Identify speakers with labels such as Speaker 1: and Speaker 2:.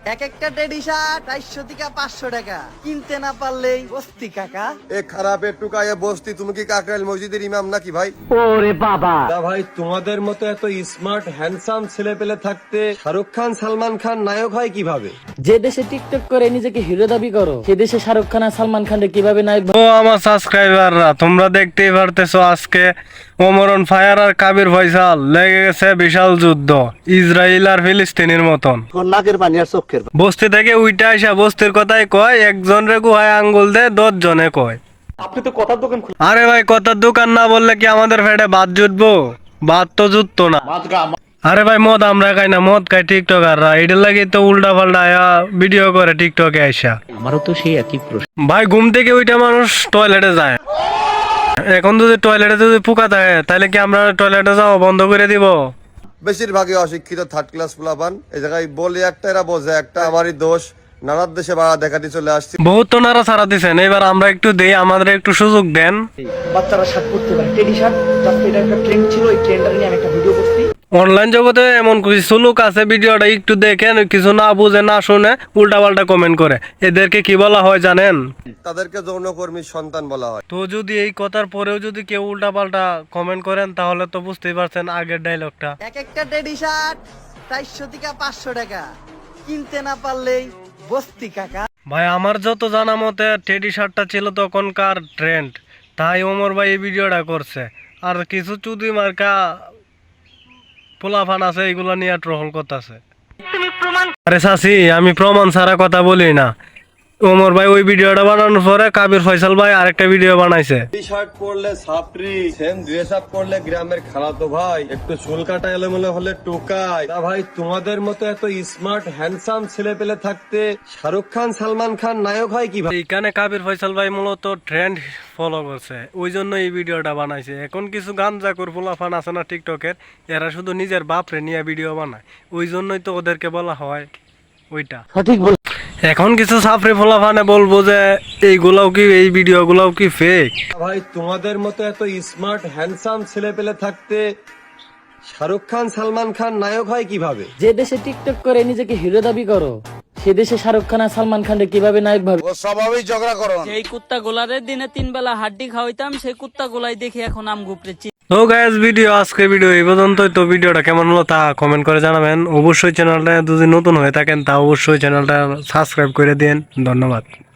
Speaker 1: এক একটা teddy shirt 450 থেকে 500 টাকা, কিনতে না পারলেই বস্তি কাকা।
Speaker 2: এ খারাপের টুকায় বস্তি, তুমি কি কাকরাইল মসজিদের ইমাম নাকি ভাই?
Speaker 3: ওরে বাবা,
Speaker 2: না ভাই, তোমাদের মতো এত স্মার্ট হ্যান্ডসাম ছেলে পেলে থাকতে শাহরুখ খান সালমান খান নায়ক হয় কিভাবে?
Speaker 3: যে দেশে টিকটক করে নিজেকে হিরো দাবি করো, সে দেশে শাহরুখ খান আর সালমান খান কিভাবে নায়ক
Speaker 4: ও আমার সাবস্ক্রাইবাররা, তোমরা দেখতেই পারতেছো আজকে ওমরন ফায়ার আর কাবির ফয়সাল লেগে গেছে বিশাল যুদ্ধ, ইসরায়েল আর ফিলিস্তিনের মতন।
Speaker 5: নাকের পানি আর চোখের পানি।
Speaker 4: বস্তি থেকে উইটা আসা বস্তির কথাই কয়, একজন রে গুহায় আঙ্গুল দে 10 জনে কয়।
Speaker 5: আপনি তো কথার দোকান
Speaker 4: আরে ভাই, কথার দোকান না বললে কি আমাদের ফেটে ভাত জুটবো? ভাত তো জুটতো না। আরে ভাই, মদ আমরা খাই না, মদ খাই টিকটকাররা, এটার লাগি তো উল্টা পাল্টা ভিডিও করে টিকটকে আইসা।
Speaker 3: আমারও তো সেই একই প্রশ্ন।
Speaker 4: ভাই, ঘুম থেকে ওইটা মানুষ টয়লেটে যায়, এখন যদি টয়লেটে যদি পোকা থাকে তাহলে কি আমরা টয়লেটে যাওয়া বন্ধ করে দিব?
Speaker 2: বেশিরভাগই অশিক্ষিত থার্ড ক্লাস পোলাপান। এই জায়গায় বলে একটা, এরা বোঝে একটা। আমারই দোষ, নানার দেশে বাড়া দেখাতে চলে আসছি।
Speaker 4: বহুত তো নারা ছাড়া দিচ্ছেন, এবার আমরা একটু দেই, আমাদের একটু সুযোগ দেন।
Speaker 1: বাচ্চারা শার্ট পরতে পারে, টেডি শার্ট, জাস্ট এটা একটা ট্রেন্ড ছিল, এই ট্রেন্ডটা নিয়ে আমি একটা ভিডিও করছি।
Speaker 4: অনলাইন জগতে এমন কিছু লোক আছে, ভিডিওটা একটু দেখেন, কিছু না বুঝে না শুনে উল্টা পাল্টা কমেন্ট করে, এদেরকে কি বলা হয় জানেন?
Speaker 2: তাদেরকে যৌনকর্মীর সন্তান বলা হয়।
Speaker 4: তো যদি এই কথার পরেও যদি কেউ উল্টা পাল্টা কমেন্ট করেন তাহলে তো বুঝতেই পারছেন আগের ডায়লগটা।
Speaker 1: এক একটা টেডি শার্ট 400 থেকে 500 টাকা, কিনতে না পারলেই বস্তি কাকা।
Speaker 4: ভাই, আমার যত জানা মতে টেডি শার্টটা ছিল তখনকার ট্রেন্ড, তাই ওমর ভাই এই ভিডিওটা করছে। আর কিছু চুদি মার্কা পোলাফান আছে, এগুলো নিয়ে ট্রোল করতেছে। আরে চাচি, আমি প্রমাণ ছাড়া কথা বলি না। ওমর ভাই ওই ভিডিওটা বানানোর পরে কাবির ফয়সাল ভাই আরেকটা ভিডিও বানাইছে।
Speaker 2: টি শার্ট পরলে ছাপরি, সেম ড্রেস আপ করলে গ্রামের খালাতো ভাই, একটু চুল কাটা এলোমেলো হলে টোকায়। না ভাই, তোমাদের মতো এত স্মার্ট হ্যান্ডসাম ছেলে পেলে থাকতে শাহরুখ খান সালমান খান নায়ক হয় কিভাবে?
Speaker 4: এইখানে কাবির ফয়সাল ভাই মূলত ট্রেন্ড ফলো করছে, ওই জন্য এই ভিডিওটা বানাইছে। এখন কিছু গাঞ্জাকুর পোলাফান আছে না টিকটকের, এরা শুধু নিজের বাপরে নিয়ে ভিডিও বানায়, ওই জন্যই তো ওদেরকে বলা হয় ওইটা।
Speaker 3: সঠিক বল।
Speaker 4: এখন কিছু সাফরি পোলাফানে বলবো যে এইগুলাও কি, এই ভিডিওগুলাও কি ফেক?
Speaker 2: ভাই, তোমাদের মতো এত স্মার্ট হ্যান্ডসাম ছেলে পেলে থাকতে শাহরুখ খান সালমান খান নায়ক হয় কিভাবে?
Speaker 3: যে দেশে টিকটক করে নিজেকে হিরো দাবি করো, সে দেশে শাহরুখ খান আর সালমান খান কিভাবে নায়ক ভাবে?
Speaker 2: ও স্বভাবই ঝগড়া করো।
Speaker 6: সেই কুত্তা গোলারের দিনে 3 বেলা হাড্ডি খাওয়াইতাম, সেই কুত্তা গোলাই দেখে এখন আম গুপড়েছি।
Speaker 4: তো গাইস, আজকে ভিডিও এই পর্যন্তই। তো ভিডিওটা কেমন হলো তা কমেন্ট করে জানাবেন। অবশ্যই চ্যানেলটা যদি নতুন হয়ে থাকেন তা অবশ্যই চ্যানেলটা সাবস্ক্রাইব করে দিন। ধন্যবাদ।